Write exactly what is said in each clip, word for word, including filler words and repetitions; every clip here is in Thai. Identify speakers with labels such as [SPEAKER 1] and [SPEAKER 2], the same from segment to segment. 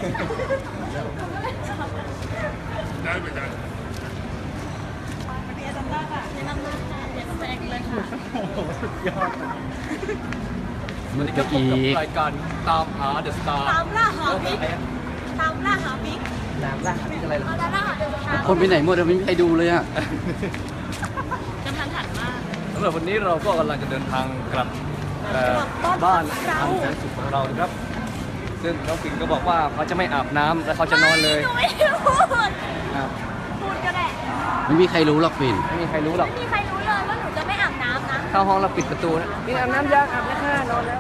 [SPEAKER 1] ได้ไปได้
[SPEAKER 2] วันนี้อาจารย์ล่าค่ะแนะนำหน้าค่ะเดี๋ยวแซงเลยค่ะ
[SPEAKER 3] โอ้โหสุดยอด
[SPEAKER 4] มันก็อีก
[SPEAKER 3] รายการตามหาเดอะสตาร์
[SPEAKER 2] ตามล่าหาบิ๊กตามล่าหาบิ๊ก
[SPEAKER 3] น้ำล่าหาที่อะไรล่ะ
[SPEAKER 2] เอาตามล่าหาเดอะสตาร์
[SPEAKER 4] คนไปไหนหมดอะไม่มีใครดูเลยอะ
[SPEAKER 2] กำลังหันมาก
[SPEAKER 3] สำหรับวันนี้เราก็กำลังจะเดินทางกลับเอ่อบ้านอันแสนสุขของเรานะครับ ซึ่งน้องปิ่นก็บอกว่าเขาจะไม่อาบน้ำและเขาจะนอนเลย
[SPEAKER 2] หนูไม่ได้พูด
[SPEAKER 3] อ้าว
[SPEAKER 2] พูดก็ได้
[SPEAKER 4] ไม่มีใครรู้หรอกปิ่น
[SPEAKER 3] ไม่มีใครรู้หรอก
[SPEAKER 2] ไม่มีใครรู้เลยว่าหนูจะไม่อาบน้ำนะ
[SPEAKER 3] เข้าห้องเราปิดประตูนะปิ่นอาบน้ำยังอาบแล้วค่ะนอนแล้ว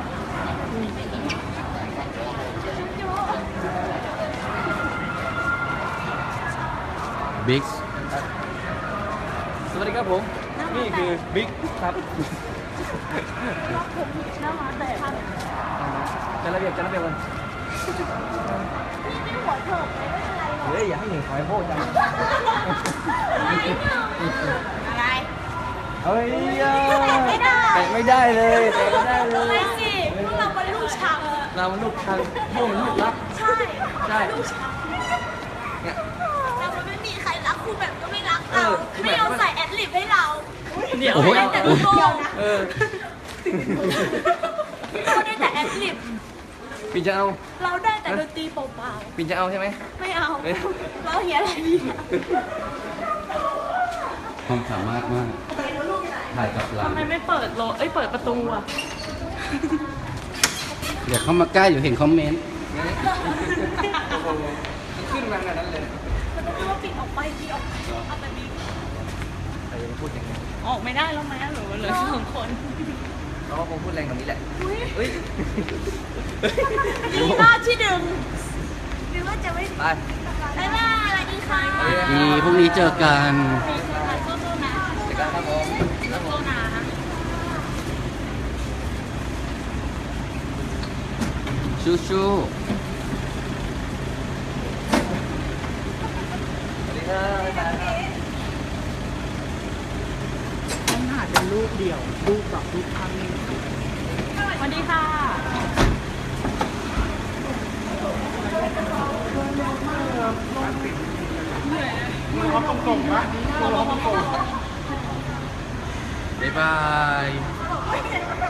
[SPEAKER 4] บิ๊ก
[SPEAKER 3] สวัสดีครับผม นี่คือบิ๊กครับ
[SPEAKER 2] รับผมหน้ามาแต่ครับ
[SPEAKER 3] จะระเบียบจะระเบียบกัน
[SPEAKER 2] พี่ไม่หัวโถกเลยไม่เป็นไรหรอก
[SPEAKER 3] เฮ้ยอย่าให้หนึ่งขอยโพดจัง
[SPEAKER 2] ไม่หนึ่งอะไร
[SPEAKER 3] เฮ้ย
[SPEAKER 2] ไม่ได้
[SPEAKER 3] แตะไม่ได้เลยแตะไม่ได้เล
[SPEAKER 2] ไม่
[SPEAKER 3] ย
[SPEAKER 2] สิพวกเราเป็นลูกช้าง
[SPEAKER 3] เรามันลูกชังพวกมันลูกรัก
[SPEAKER 2] ใช่
[SPEAKER 3] ใช่
[SPEAKER 2] ลูกช้าง
[SPEAKER 3] เนี่ย
[SPEAKER 2] เราไม่มีใครรักครูแบบก็ไม่รัก
[SPEAKER 3] เอ
[SPEAKER 2] เรา
[SPEAKER 3] อ
[SPEAKER 2] ไม่ยอมใส่แอดลิปให้เรา
[SPEAKER 3] เดี๋ยว
[SPEAKER 4] โอ้โห
[SPEAKER 2] ได้แต่ลูกโป่งนะ
[SPEAKER 3] เออ
[SPEAKER 2] เราได้แต่แอดลิป
[SPEAKER 3] ปิ่นจะเอา
[SPEAKER 2] เราได้แต่ดนตรีเปล่า
[SPEAKER 3] ปิ่นจะเอาใช่ไหม
[SPEAKER 2] ๆไม่เอา
[SPEAKER 3] ไม่เอา
[SPEAKER 2] เราเฮียอะไรดีอะ
[SPEAKER 4] ความสามารถมาก ถ่ายกับหลัง
[SPEAKER 2] ทำไมไม่เปิดโลเอ้ยเปิดประตูอ่ะ
[SPEAKER 4] เดี๋ยวเขามาใกล้อยู่เห็นคอมเมนต์
[SPEAKER 3] โอ้โหมันขึ้นมาขนาดนั้นเลย
[SPEAKER 2] มันต้องว่าปิดออกไปปิดออกเอาไปบิ๊ก
[SPEAKER 3] ใครจะมาพูดอย่างนี้
[SPEAKER 2] ออกไม่ได้แล้วไหมหรือเหลือสองคน
[SPEAKER 3] เขาก็คงพูดแรงกว่านี้แหละเฮ้ย
[SPEAKER 2] ดีมากที่ดึงหรือว่าจะไม่
[SPEAKER 3] ไป
[SPEAKER 2] บ๊ายบายสวัสดีค่ะ
[SPEAKER 4] ดีพรุ่งนี้เจอกัน
[SPEAKER 2] สู้ๆนะ
[SPEAKER 3] เดี๋ยวกันครับผม
[SPEAKER 2] สู้ๆนะ
[SPEAKER 4] ชูชู
[SPEAKER 3] สวัสดีครับบ๊ายบายครับ
[SPEAKER 5] ต้องถ่ายเป็นรูปเดี่ยว รูปแบบรูปภาพนิ่ง
[SPEAKER 2] สวัสดีค่ะ
[SPEAKER 5] มันร้อนตรงๆปะมันร้อนตรง
[SPEAKER 4] บ๊ายบาย